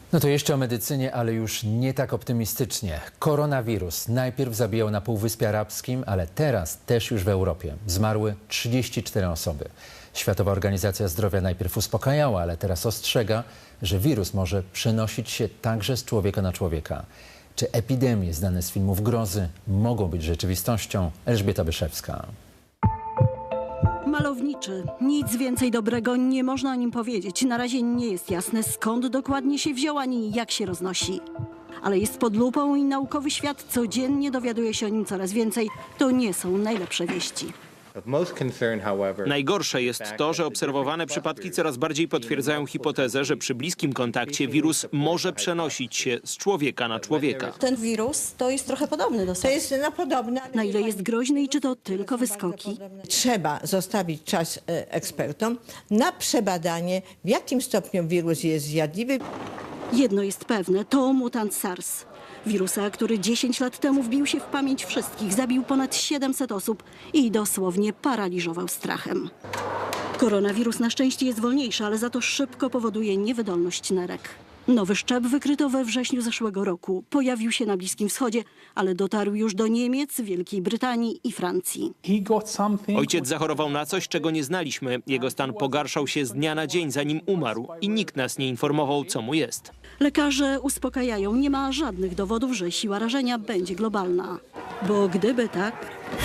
No to jeszcze o medycynie, ale już nie tak optymistycznie. Koronawirus najpierw zabijał na Półwyspie Arabskim, ale teraz też już w Europie. Zmarły 34 osoby. Światowa Organizacja Zdrowia najpierw uspokajała, ale teraz ostrzega, że wirus może przenosić się także z człowieka na człowieka. Czy epidemie znane z filmów grozy mogą być rzeczywistością? Elżbieta Byszewska. Malowniczy. Nic więcej dobrego nie można o nim powiedzieć. Na razie nie jest jasne, skąd dokładnie się wziął, ani jak się roznosi. Ale jest pod lupą i naukowy świat codziennie dowiaduje się o nim coraz więcej. To nie są najlepsze wieści. Najgorsze jest to, że obserwowane przypadki coraz bardziej potwierdzają hipotezę, że przy bliskim kontakcie wirus może przenosić się z człowieka na człowieka. Ten wirus to jest trochę podobny do SARS. To jest podobne. Na ile jest groźny i czy to tylko wyskoki? Trzeba zostawić czas ekspertom na przebadanie, w jakim stopniu wirus jest zjadliwy. Jedno jest pewne, to mutant SARS. Wirusa, który 10 lat temu wbił się w pamięć wszystkich, zabił ponad 700 osób i dosłownie paraliżował strachem. Koronawirus na szczęście jest wolniejszy, ale za to szybko powoduje niewydolność nerek. Nowy szczep wykryto we wrześniu zeszłego roku. Pojawił się na Bliskim Wschodzie, ale dotarł już do Niemiec, Wielkiej Brytanii i Francji. Ojciec zachorował na coś, czego nie znaliśmy. Jego stan pogarszał się z dnia na dzień, zanim umarł i nikt nas nie informował, co mu jest. Lekarze uspokajają, nie ma żadnych dowodów, że siła rażenia będzie globalna. Bo gdyby tak,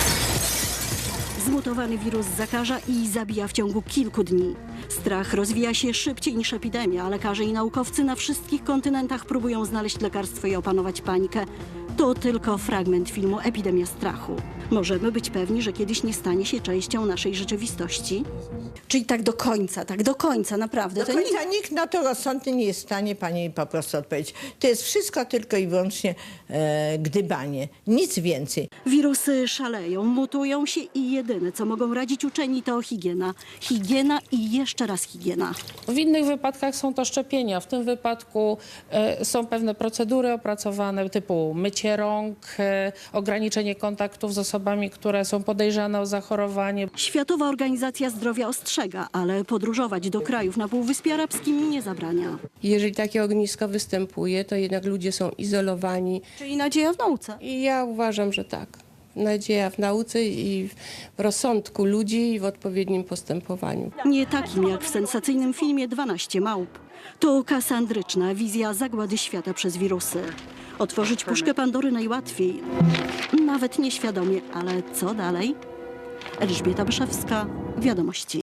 zmutowany wirus zakaża i zabija w ciągu kilku dni. Strach rozwija się szybciej niż epidemia, a lekarze i naukowcy na wszystkich kontynentach próbują znaleźć lekarstwo i opanować panikę. To tylko fragment filmu Epidemia strachu. Możemy być pewni, że kiedyś nie stanie się częścią naszej rzeczywistości? Czyli tak do końca, naprawdę. Do końca nikt na to rozsądny nie jest w stanie pani po prostu odpowiedzieć. To jest wszystko tylko i wyłącznie gdybanie, nic więcej. Wirusy szaleją, mutują się i jedyne, co mogą radzić uczeni, to higiena. Higiena i jeszcze raz higiena. W innych wypadkach są to szczepienia. W tym wypadku są pewne procedury opracowane typu mycie rąk, ograniczenie kontaktów z osobami, które są podejrzane o zachorowanie. Światowa Organizacja Zdrowia ostrzega, ale podróżować do krajów na Półwyspie Arabskim nie zabrania. Jeżeli takie ognisko występuje, to jednak ludzie są izolowani. Czyli nadzieja w nauce. I ja uważam, że tak. Nadzieja w nauce i w rozsądku ludzi i w odpowiednim postępowaniu. Nie takim jak w sensacyjnym filmie 12 małp. To kasandryczna wizja zagłady świata przez wirusy. Otworzyć puszkę Pandory najłatwiej, nawet nieświadomie, ale co dalej? Elżbieta Byszewska, Wiadomości.